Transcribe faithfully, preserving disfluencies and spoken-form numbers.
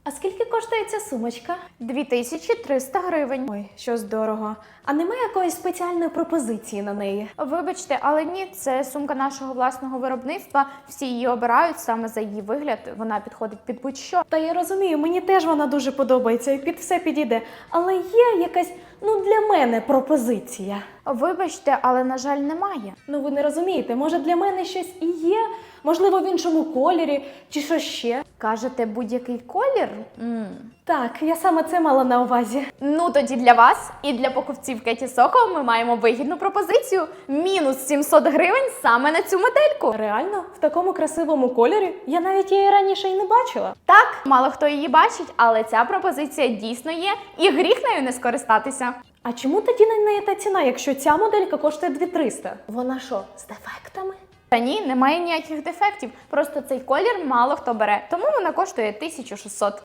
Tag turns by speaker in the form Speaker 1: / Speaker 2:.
Speaker 1: А скільки коштує ця сумочка?
Speaker 2: дві тисячі триста гривень.
Speaker 1: Ой, що дорого. А немає якоїсь спеціальної пропозиції на неї?
Speaker 2: Вибачте, але ні, це сумка нашого власного виробництва. Всі її обирають саме за її вигляд. Вона підходить під будь-що.
Speaker 1: Та я розумію, мені теж вона дуже подобається і під все підійде. Але є якась, ну, для мене пропозиція.
Speaker 2: Вибачте, але, на жаль, немає.
Speaker 1: Ну, ви не розумієте, може для мене щось і є? Можливо, в іншому кольорі, чи що ще?
Speaker 2: Кажете, будь-який колір? М.
Speaker 1: Так, я саме це мала на увазі.
Speaker 2: Ну, тоді для вас і для покупців Кеті Соко ми маємо вигідну пропозицію. Мінус сімсот гривень саме на цю модельку.
Speaker 1: Реально? В такому красивому кольорі? Я навіть її раніше й не бачила.
Speaker 2: Так, мало хто її бачить, але ця пропозиція дійсно є, і гріх нею не скористатися.
Speaker 1: А чому тоді на неї та ціна, якщо ця моделька коштує дві тисячі триста? Вона що, з дефектами?
Speaker 2: Та ні, немає ніяких дефектів, просто цей колір мало хто бере, тому вона коштує тисячу шістсот.